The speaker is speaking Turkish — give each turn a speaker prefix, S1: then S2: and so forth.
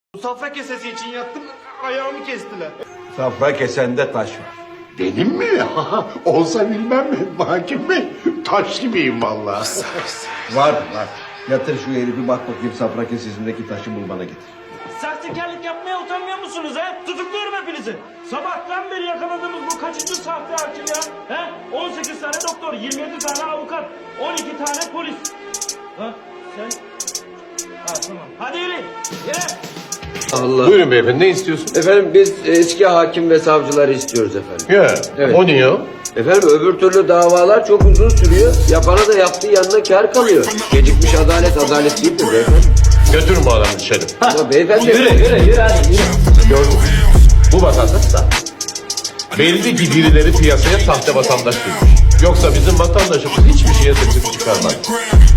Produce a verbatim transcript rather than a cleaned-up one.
S1: Safra kesesi için yattım, ayağımı kestiler.
S2: Safra kesende taş var.
S3: Benim mi? Olsa bilmem mi? Hakim Bey, taş gibiyim vallahi.
S2: Var var. Yatır şu herifi bak bakayım safra kesesindeki taşı bul bana getir.
S1: Sahtekarlık yapmaya utanmıyor musunuz ha? Tutukluyorum hepinizi. Sabahtan beri yakaladığımız bu kaçıncı sahte hakim ya? He? on sekiz tane doktor, yirmi yedi tane avukat, on iki tane polis. Ha? Sen? Ha tamam. Hadi yürü. Yürü.
S4: Allah.
S5: Buyurun beyefendi, ne istiyorsun?
S4: Efendim biz eski hakim ve savcıları istiyoruz efendim.
S5: Ya,
S4: Evet.
S5: o niye o?
S4: Efendim öbür türlü davalar çok uzun sürüyor. Yapana da yaptığı yanına kar kalıyor. Gecikmiş adalet adalet değildir beyefendi.
S5: Götürün bu adamı dışarı.
S4: Ama beyefendi...
S1: Yürü yürü yürü hadi yürü.
S5: Gördün mü? Bu vatandaş da. Belli ki birileri piyasaya sahte vatandaş bulmuş. Yoksa bizim vatandaşımız hiçbir şeye sesini çıkarmaz.